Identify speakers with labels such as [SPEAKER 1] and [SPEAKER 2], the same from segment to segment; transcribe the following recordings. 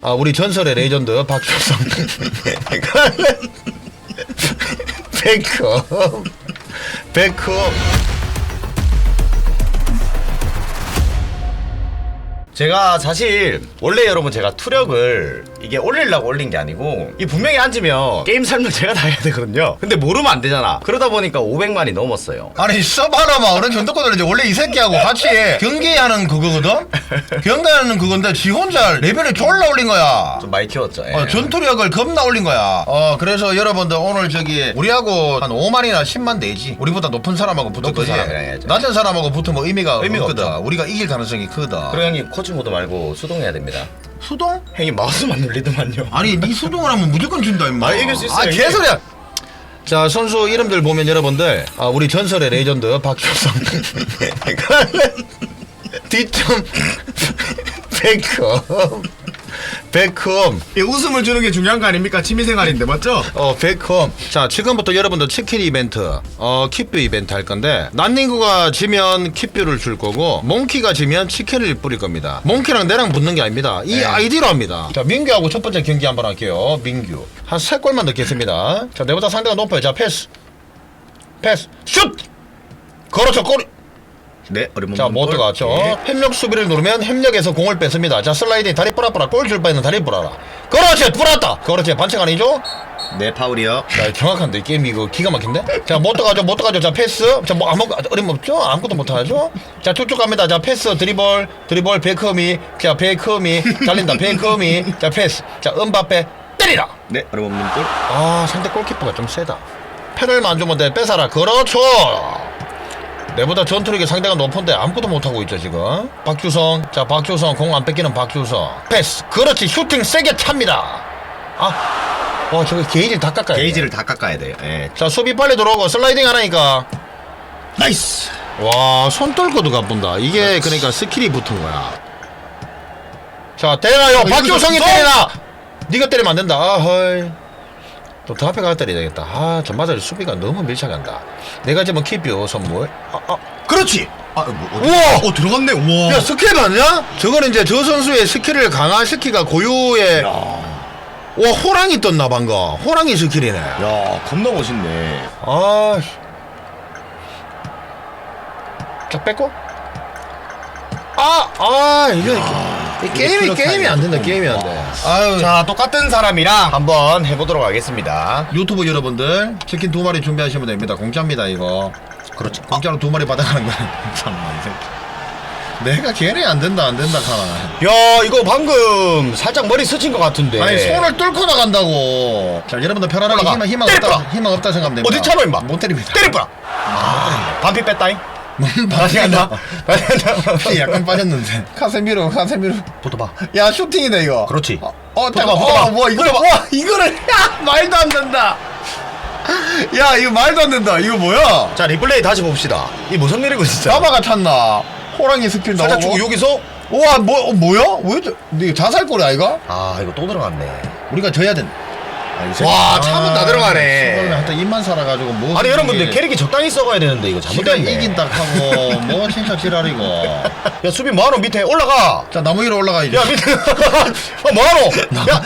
[SPEAKER 1] 우리 전설의 레전드 박주성 백업 제가 사실 원래 여러분 제가 투력을 이게 올리려고 올린 게 아니고 이 분명히 앉으면 게임 설명 제가 다 해야 되거든요. 근데 모르면 안 되잖아. 그러다 보니까 500만이 넘었어요.
[SPEAKER 2] 아니 써봐라마 어른 전도권을 이제 원래 이 새끼하고 같이 경기하는 그거거든? 경기하는 그건데 지 혼자 레벨을 졸라 올린 거야.
[SPEAKER 1] 좀 많이 키웠죠. 예.
[SPEAKER 2] 전투력을 겁나 올린 거야. 그래서 여러분들 오늘 저기 우리하고 한 5만이나 10만 내지. 우리보다 높은 사람하고 붙을 거지. 낮은 사람하고 붙으면 의미가 없거든.
[SPEAKER 1] 없죠.
[SPEAKER 2] 우리가 이길 가능성이 크다.
[SPEAKER 1] 그리고 형님 코치 모드 말고 수동해야 됩니다.
[SPEAKER 2] 수동?
[SPEAKER 1] 형이 마우스만 눌리더만요.
[SPEAKER 2] 아니 니 수동을 하면 무조건 진다 임마.
[SPEAKER 1] 이길 수 있어요.
[SPEAKER 2] 개소리야.
[SPEAKER 1] 자 선수 이름들 보면 여러분들 우리 전설의 레전드 박주성 D점 백홈
[SPEAKER 3] 이 웃음을 주는 게 중요한 거 아닙니까? 취미생활인데 맞죠?
[SPEAKER 1] 백홈. 자 지금부터 여러분들 치킨 이벤트 kit뷰 이벤트 할 건데 난닝구가 지면 kit뷰를 줄 거고 몽키가 지면 치킨을 뿌릴 겁니다. 몽키랑 내랑 붙는 게 아닙니다. 이 아이디로 합니다. 자 민규하고 첫 번째 경기 한번 할게요. 민규 한 3골만 넣겠습니다. 자 내보다 상대가 높아요. 자 패스 슛 그렇죠. 골.
[SPEAKER 3] 네, 어려운
[SPEAKER 1] 자, 못 들어갔죠. 협력 수비를 누르면 협력에서 공을 뺐습니다. 자, 슬라이딩 다리 뿌라뿌라 골 줄 바에는 다리 뿌라라. 그렇지, 뿌랐다. 그렇지, 반칙 아니죠?
[SPEAKER 3] 네, 파울이요.
[SPEAKER 1] 자, 정확한데 게임 이거 기가 막힌데? 자, 못 들어가죠. 자, 패스. 자, 뭐 어림없죠? 아무것도 못 하죠? 자, 쭉쭉 갑니다. 자, 패스, 드리블, 베이커미. 자, 베이커미 달린다. 베이커미. 자, 패스. 자, 은바페 때리라.
[SPEAKER 3] 네, 어려운 골.
[SPEAKER 1] 상대 골키퍼가 좀 세다. 페널만 안 주면 돼. 뺏어라. 그렇죠. 내보다 전투력이 상대가 높은데 아무것도 못하고 있죠 지금. 박주성. 자 박주성 공 안 뺏기는 박주성. 패스. 그렇지. 슈팅 세게 찹니다. 저거 게이지를 다 깎아야 돼.
[SPEAKER 3] 게이지를 다 깎아야 돼요. 예.
[SPEAKER 1] 자 수비 빨리 들어오고 슬라이딩 하라니까.
[SPEAKER 3] 나이스.
[SPEAKER 1] 와 손 떨고도 가본다. 이게 그러니까 스킬이 붙은 거야. 자 때려요. 박주성이 때리나. 네가 때리면 안 된다. 헐. 또 더 앞에 가서 때려야 되겠다. 저 맞아 수비가 너무 밀착한다. 내가 지금 kit뷰 선물.
[SPEAKER 3] 그렇지.
[SPEAKER 1] 우와!
[SPEAKER 3] 들어갔네. 우와.
[SPEAKER 1] 야 스킬 맞냐? 저거는 이제 저 선수의 스킬을 강화시키가 고유의 호랑이 떴나 방금. 호랑이 스킬이네.
[SPEAKER 3] 야, 겁나 멋있네.
[SPEAKER 1] 자 뺏고. 이게 게임이 안 된다. 게임이 안 돼.
[SPEAKER 3] 자, 똑같은 사람이랑 한번 해보도록 하겠습니다.
[SPEAKER 2] 유튜브 여러분들 치킨 2마리 준비하시면 됩니다. 공짜입니다 이거.
[SPEAKER 3] 그렇죠.
[SPEAKER 2] 공짜로 2마리 받아가는 거야. 참나 이 새끼. 내가 걔네 안 된다 카나.
[SPEAKER 3] 야, 이거 방금 살짝 머리 스친 것 같은데.
[SPEAKER 2] 아니 손을 뚫고 나간다고. 자 여러분들 편안하게
[SPEAKER 3] 올라가.
[SPEAKER 2] 희망 없다 생각하면 됩니다.
[SPEAKER 3] 어디 차로 임마.
[SPEAKER 2] 못 때립니다.
[SPEAKER 3] 때려봐. 반피 뺐다잉.
[SPEAKER 2] 다시
[SPEAKER 3] 간다.
[SPEAKER 2] 피 약간 빠졌는데. 카세미로.
[SPEAKER 3] 붙어봐.
[SPEAKER 2] 야 슈팅이다 이거.
[SPEAKER 3] 그렇지.
[SPEAKER 2] 잠깐. 뭐 이거를 야 말도 안 된다. 야 이거 말도 안 된다. 이거 뭐야?
[SPEAKER 3] 자, 리플레이 다시 봅시다. 이 무슨 일이고 진짜.
[SPEAKER 2] 자바가 찼나? 호랑이 스킬 나오고.
[SPEAKER 3] 살짝 주고 여기서.
[SPEAKER 2] 우와 뭐야? 왜 이거 자살골이 아이가?
[SPEAKER 3] 이거 또 들어갔네.
[SPEAKER 2] 우리가 져야 된.
[SPEAKER 3] 와, 참은 다 들어가네.
[SPEAKER 2] 하여튼 입만 살아가지고 뭐.
[SPEAKER 3] 아니 여러분들 캐릭이 적당히 썩어야 되는데 이거
[SPEAKER 2] 지가
[SPEAKER 3] 잘못됐네.
[SPEAKER 2] 이긴다 하고 뭐 진짜 지랄이고.
[SPEAKER 3] 야 수비 뭐하노 밑에 올라가.
[SPEAKER 2] 자 나무 위로 올라가야지.
[SPEAKER 3] 야 밑에 뭐하노. 야.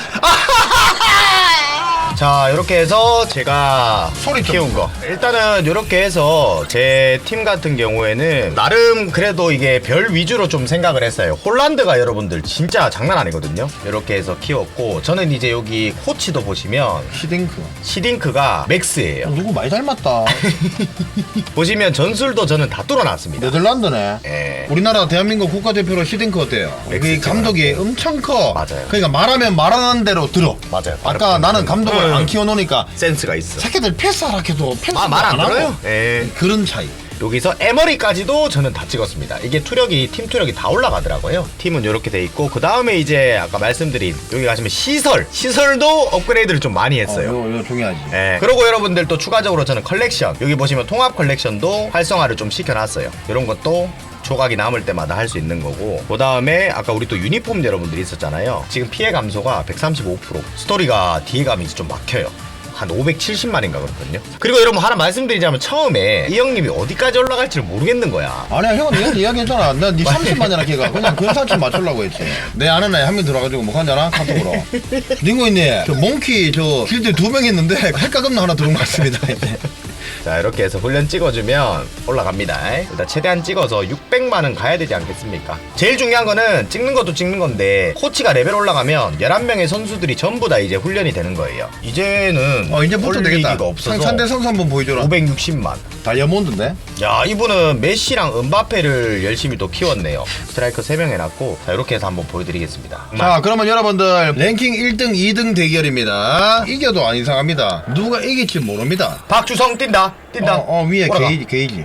[SPEAKER 3] 자 이렇게 해서 제가
[SPEAKER 2] 소리 좀
[SPEAKER 3] 키운 거 일단은 이렇게 해서 제 팀 같은 경우에는 나름 그래도 이게 별 위주로 좀 생각을 했어요. 홀란드가 여러분들 진짜 장난 아니거든요. 이렇게 해서 키웠고 저는 이제 여기 코치도 보시면 시딩크가 맥스예요.
[SPEAKER 2] 누구 많이 닮았다.
[SPEAKER 3] 보시면 전술도 저는 다 뚫어놨습니다.
[SPEAKER 2] 네덜란드네.
[SPEAKER 3] 예.
[SPEAKER 2] 우리나라 대한민국 국가대표로 시딩크 어때요? 그 감독이 엄청 커.
[SPEAKER 3] 맞아요.
[SPEAKER 2] 그러니까 말하면 말하는 대로 들어.
[SPEAKER 3] 맞아요.
[SPEAKER 2] 아까 나는 감독을 안 키워놓으니까
[SPEAKER 3] 센스가 있어.
[SPEAKER 2] 새끼들 패스하라 해도 패스
[SPEAKER 3] 말 안 들어요. 예.
[SPEAKER 2] 그런 차이.
[SPEAKER 3] 여기서 에머리까지도 저는 다 찍었습니다. 이게 팀 투력이 다 올라가더라고요. 팀은 이렇게 돼 있고 그 다음에 이제 아까 말씀드린 여기 가시면 시설도 업그레이드를 좀 많이 했어요.
[SPEAKER 2] 이거 중요하지.
[SPEAKER 3] 예. 그리고 여러분들 또 추가적으로 저는 컬렉션 여기 보시면 통합 컬렉션도 활성화를 좀 시켜놨어요. 이런 것도 조각이 남을 때마다 할 수 있는 거고 그 다음에 아까 우리 또 유니폼 여러분들이 있었잖아요. 지금 피해 감소가 135%. 스토리가 뒤에 가면 이제 좀 막혀요. 한 570만인가 그렇거든요. 그리고 여러분 하나 말씀드리자면 처음에 이 형님이 어디까지 올라갈지를 모르겠는 거야.
[SPEAKER 2] 아니야 형은 내가 이야기했잖아. 나네 30만이나 걔가 그냥 근사치 맞추려고 했지. 내 아는 애 한 명 들어가지고 뭐 하잖아 카톡으로. 닝고 있네. 저 몽키 저 길드 2명 있는데 헷갈없는 하나 들어온 것 같습니다. 이제.
[SPEAKER 3] 자 이렇게 해서 훈련 찍어주면 올라갑니다. 일단 최대한 찍어서 600만은 가야 되지 않겠습니까? 제일 중요한 거는 찍는 것도 찍는 건데 코치가 레벨 올라가면 11명의 선수들이 전부 다 이제 훈련이 되는 거예요. 이제는
[SPEAKER 2] 이제부터 되겠다.
[SPEAKER 3] 올리기가 없어서
[SPEAKER 2] 상대 선수 한번 보여줘라.
[SPEAKER 3] 560만.
[SPEAKER 2] 다이아몬드인데?
[SPEAKER 3] 야 이분은 메시랑 은바페를 열심히 또 키웠네요. 스트라이커 3명 해놨고 자 이렇게 해서 한번 보여드리겠습니다.
[SPEAKER 2] 자 그러면 여러분들 랭킹 1등 2등 대결입니다. 이겨도 안 이상합니다. 누가 이길지 모릅니다.
[SPEAKER 3] 박주성 뛴다
[SPEAKER 2] 위에
[SPEAKER 3] 올라가.
[SPEAKER 2] 게이지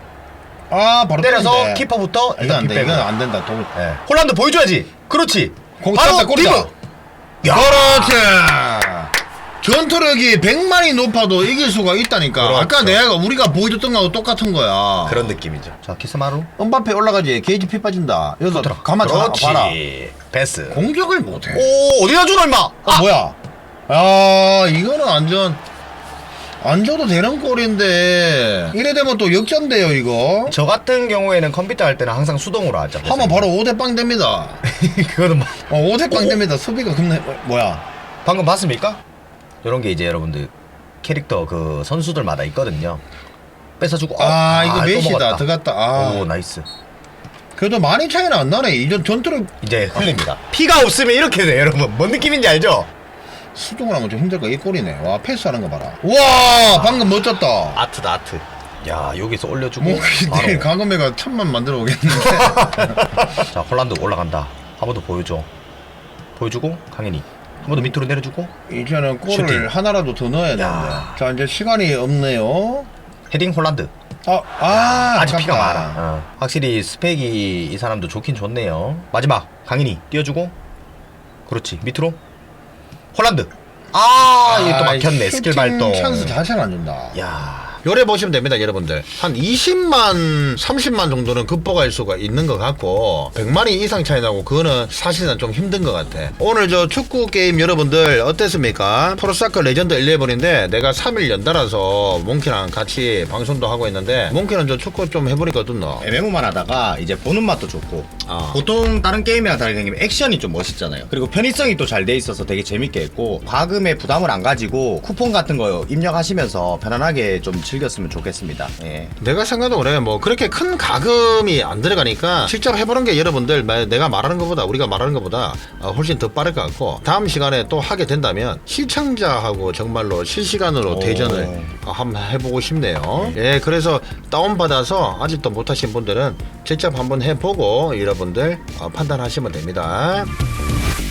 [SPEAKER 2] 아 바로
[SPEAKER 3] 때려서
[SPEAKER 2] 때리는데.
[SPEAKER 3] 키퍼부터
[SPEAKER 2] 이건 안돼
[SPEAKER 3] 빗빼고.
[SPEAKER 2] 이건 안 된다.
[SPEAKER 3] 네. 홀란드 보여줘야지. 그렇지.
[SPEAKER 2] 공
[SPEAKER 3] 바로
[SPEAKER 2] 찼다, 골이다.
[SPEAKER 3] 디브. 야.
[SPEAKER 2] 그렇지. 전투력이 100만이 높아도 이길 수가 있다니까.
[SPEAKER 3] 그렇죠.
[SPEAKER 2] 아까 내가 우리가 보여줬던 거하고 똑같은 거야.
[SPEAKER 3] 그런 느낌이죠. 자 키스마루.
[SPEAKER 2] 은바페 올라가지. 게이지 피 빠진다. 여기서
[SPEAKER 3] 들어.
[SPEAKER 2] 가만
[SPEAKER 3] 그렇지.
[SPEAKER 2] 봐라.
[SPEAKER 3] 패스.
[SPEAKER 2] 공격을 못해.
[SPEAKER 3] 오 어디다 주노 임마.
[SPEAKER 2] 뭐야? 아 이거는 완전 안 줘도 되는 꼴인데 이래 되면 또 역전돼요 이거.
[SPEAKER 3] 저 같은 경우에는 컴퓨터 할 때는 항상 수동으로 하죠.
[SPEAKER 2] 하면 바로 5대 빵 됩니다.
[SPEAKER 3] 그거는 막
[SPEAKER 2] 5대 빵 됩니다. 수비가 겁나 뭐야?
[SPEAKER 3] 방금 봤습니까? 이런 게 이제 여러분들 캐릭터 그 선수들마다 있거든요. 뺏어주고
[SPEAKER 2] 이거
[SPEAKER 3] 또
[SPEAKER 2] 메시다.
[SPEAKER 3] 먹었다.
[SPEAKER 2] 들어갔다.
[SPEAKER 3] 오 나이스.
[SPEAKER 2] 그래도 많이 차이는 안 나네. 이전 전투력
[SPEAKER 3] 이제 흘립니다. 피가 없으면 이렇게 돼 여러분. 뭔 느낌인지 알죠?
[SPEAKER 2] 수동을 하면 좀 힘들 거야. 이 꼴이네. 와 패스하는 거 봐라. 와 방금 멋졌다.
[SPEAKER 3] 아트다 아트. 야 여기서 올려주고
[SPEAKER 2] 뭐 내일
[SPEAKER 3] 바로.
[SPEAKER 2] 강건배가 천만 만들어 오겠는데.
[SPEAKER 3] 자 홀란드 올라간다. 한 번 더 보여줘. 보여주고 강현이 한 번 더 밑으로 내려주고
[SPEAKER 2] 이제는 골을
[SPEAKER 3] 슈팅.
[SPEAKER 2] 하나라도 더 넣어야 되는데.
[SPEAKER 3] 야.
[SPEAKER 2] 자 이제 시간이 없네요.
[SPEAKER 3] 헤딩 홀란드.
[SPEAKER 2] 아깝다.
[SPEAKER 3] 아직 피가 많아. 확실히 스펙이 이 사람도 좋긴 좋네요. 마지막 강인이 띄워주고 그렇지 밑으로 홀란드. 이게 또 막혔네. 스킬 발동.
[SPEAKER 2] 찬스 자체를 안 준다.
[SPEAKER 3] 야
[SPEAKER 1] 요래 보시면 됩니다 여러분들. 한 20만 30만 정도는 극복할 수가 있는 것 같고 100만이 이상 차이 나고 그거는 사실은 좀 힘든 것 같아. 오늘 저 축구 게임 여러분들 어땠습니까? 프로사커 레전드 11인데 내가 3일 연달아서 몽키랑 같이 방송도 하고 있는데 몽키는 저 축구 좀 해보니까 어떻노?
[SPEAKER 3] MMO만 하다가 이제 보는 맛도 좋고
[SPEAKER 1] 아.
[SPEAKER 3] 보통 다른 게임이랑 다르게 액션이 좀 멋있잖아요. 그리고 편의성이 또 잘 돼 있어서 되게 재밌게 했고 과금에 부담을 안 가지고 쿠폰 같은 거 입력하시면서 편안하게 좀 즐겼으면 좋겠습니다. 예.
[SPEAKER 1] 내가 생각도 그래. 뭐 그렇게 큰 가금이 안 들어가니까 직접 해보는 게 여러분들 내가 말하는 것보다 우리가 말하는 것보다 훨씬 더 빠를 것 같고 다음 시간에 또 하게 된다면 시청자하고 정말로 실시간으로 대전을 한번 해보고 싶네요. 예, 그래서 다운받아서 아직도 못하신 분들은 직접 한번 해보고 여러분들 판단하시면 됩니다.